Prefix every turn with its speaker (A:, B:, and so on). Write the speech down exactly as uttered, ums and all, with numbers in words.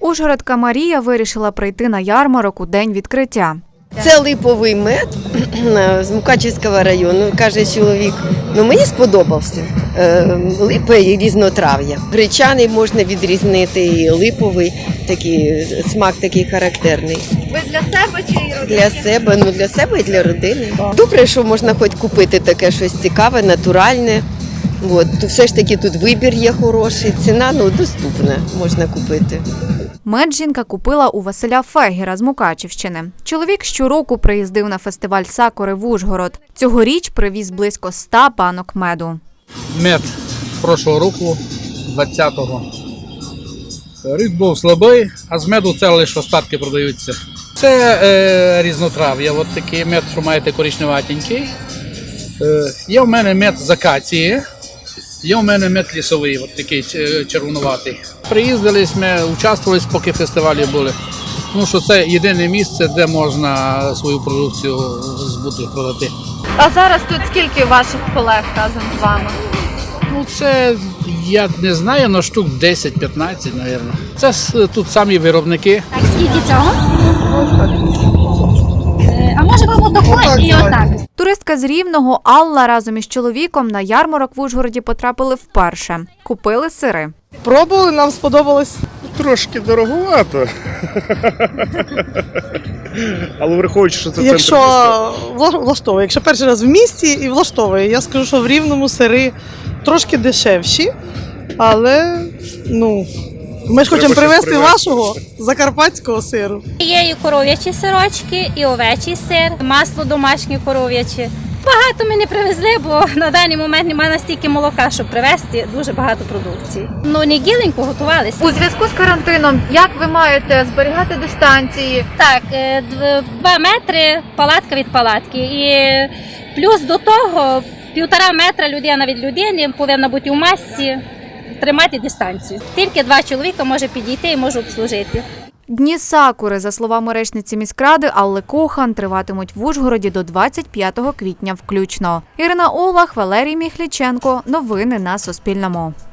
A: Ужгородка Марія вирішила прийти на ярмарок у день відкриття.
B: Це липовий мед з Мукачівського району. Каже чоловік, ну мені сподобався. Липа і різнотрав'я. Гречаний можна відрізнити, і липовий, такий, смак такий характерний.
C: Ви для себе чи родини?
B: Для себе, ну для себе і для родини. Добре, що можна хоч купити таке щось цікаве, натуральне. От, то все ж таки тут вибір є хороший, ціна ну, доступна, можна купити.
A: Мед жінка купила у Василя Фегіра з Мукачівщини. Чоловік щороку приїздив на фестиваль сакури в Ужгород. Цьогоріч привіз близько ста банок меду.
D: Мед прошлого року, двадцятого. Рік був слабий, а з меду це лише остатки продаються. Це е, різнотрав'я, от такий мед, що маєте коричневатенький. Е, є в мене мед з акації, є в мене мед лісовий, от такий червонуватий. Приїздили ми, участвували, поки фестивалі були. Тому що це єдине місце, де можна свою продукцію збути, продати.
C: А зараз тут скільки ваших колег разом з вами?
D: Ну, це, я не знаю, на штук десять-п'ятнадцять, мабуть. Це тут самі виробники.
E: Так, скільки цього? А може вам отако і отак?
A: Туристка з Рівного Алла разом із чоловіком на ярмарок в Ужгороді потрапили вперше. Купили сири.
F: Пробували, нам сподобалось.
G: Трошки дороговато. Але враховуючи, що це центр
F: Якщо
G: міста.
F: вла- влаштовує, якщо перший раз в місті і влаштовує, я скажу, що в Рівному сири трошки дешевші, але ну, ми ж хочемо
G: щось
F: привезти
G: привезти.
F: вашого закарпатського сиру.
E: Є і коров'ячі сирочки, і овечий сир, масло домашнє коров'яче. Багато ми не привезли, бо на даний момент немає настільки молока, щоб привезти дуже багато продукції. Ну, не гіленько готувалися.
C: У зв'язку з карантином, як ви маєте зберігати дистанції?
E: Так, е, дв- два метри палатка від палатки. І плюс до того півтора метра людина від людини повинна бути у масці, тримати дистанцію. Тільки два чоловіка може підійти і може обслужити.
A: Дні сакури, за словами речниці міськради Алли Кохан, триватимуть в Ужгороді до двадцять п'ятого квітня включно. Ірина Олах, Валерій Міхліченко. Новини на Суспільному.